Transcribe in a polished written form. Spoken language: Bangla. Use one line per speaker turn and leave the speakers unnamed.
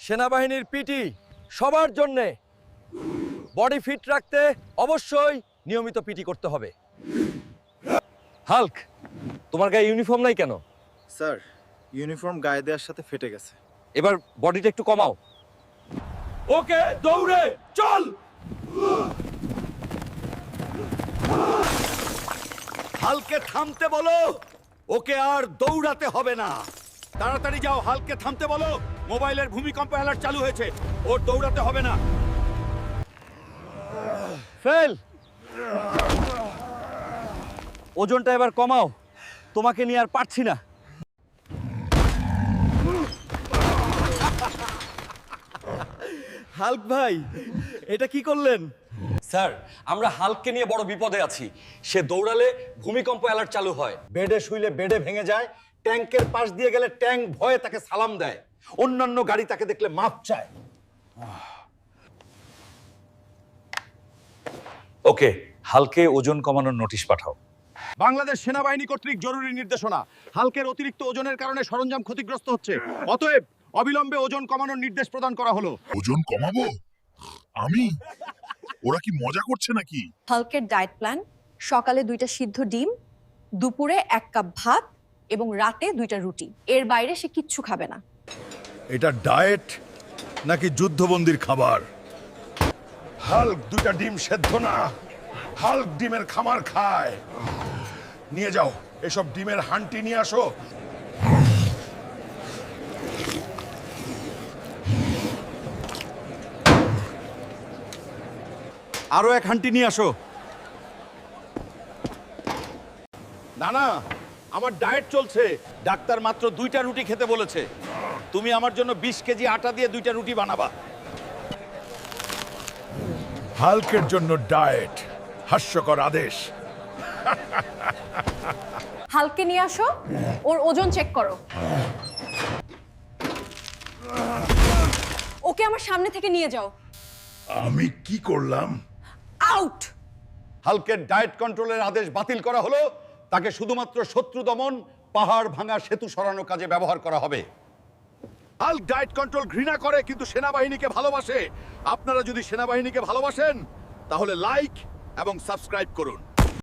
সেনাবাহিনীর পিটি সবার জন্যে। বডি ফিট রাখতে অবশ্যই নিয়মিত পিটি করতে হবে। হাল্ক, তোমার গায়ে ইউনিফর্ম নাই কেন?
স্যার, ইউনিফর্ম গায়ে দেওয়ার সাথে ফেটে গেছে।
এবার বডিটা একটু কমাও। ওকে, দৌড়ে চল।
হালকে থামতে বলো, ওকে আর দৌড়াতে হবে না। তাড়াতাড়ি যাও, হালকে থামতে বলো। মোবাইলের ভূমিকম্প অ্যালার্ট চালু হয়েছে, ওর দৌড়াতে হবে না।
ফেল। ওজনটা এবার কমাও, তোমাকে নিয়ে আর পারছি না।
হাল্ক ভাই, এটা কি করলেন?
স্যার, আমরা হাল্ককে নিয়ে বড় বিপদে আছি। সে দৌড়ালে ভূমিকম্প অ্যালার্ট চালু হয়।
বেডে শুইলে বেডে ভেঙে যায়, ট্যাঙ্কের পাশ দিয়ে গেলে ট্যাঙ্ক ভয়ে তাকে সালাম দেয়, অন্যান্য গাড়ি তাকে দেখলে মাপ চায়।
ওকে, হালকে ওজন কমানোর নোটিশ পাঠাও।
বাংলাদেশ সেনাবাহিনী কর্তৃক জরুরি নির্দেশনা, হালকের অতিরিক্ত ওজনের কারণে সরঞ্জাম ক্ষতিগ্রস্ত হচ্ছে। অতএব অবিলম্বে ওজন কমানোর নির্দেশ প্রদান করা হলো।
ওজন কমাবো আমি? ওরা কি মজা করছে নাকি?
হাল্কের ডায়েট প্ল্যান: সকালে 2টা সিদ্ধ ডিম, দুপুরে 1 কাপ ভাত এবং রাতে 2টা রুটি। এর বাইরে সে কিচ্ছু খাবে না।
এটা ডায়েট নাকি যুদ্ধবন্দির খাবার? হাল্ক 2টা ডিম সেদ্ধ না, হাল্ক ডিমের খামার খায়। নিয়ে যাও, এসব ডিমের হান্টি নিয়ে আসো।
আরো 1 হান্টি নিয়ে আসো। না না, আমার ডায়েট চলছে। ডাক্তার মাত্র 2টা রুটি খেতে বলেছে। তুমি আমার জন্য 20 কেজি আটা দিয়ে 2টা রুটি বানাবা।
হাল্কের জন্য ডায়েট, হাস্যকর আদেশ।
হাল্ককে নিয়ে আসো, ওর ওজন চেক করো। ওকে আমার সামনে থেকে নিয়ে যাও।
আমি কি করলাম?
আউট।
হালকের ডায়েট কন্ট্রোলের আদেশ বাতিল করা হলো। তাকে শুধুমাত্র শত্রু দমন, পাহাড় ভাঙা, সেতু সরানোর কাজে ব্যবহার করা হবে। হাল্ক ডায়েট কন্ট্রোল ঘৃণা করে কিন্তু সেনাবাহিনীকে ভালোবাসে। আপনারা যদি সেনাবাহিনীকে ভালোবাসেন তাহলে লাইক এবং সাবস্ক্রাইব করুন।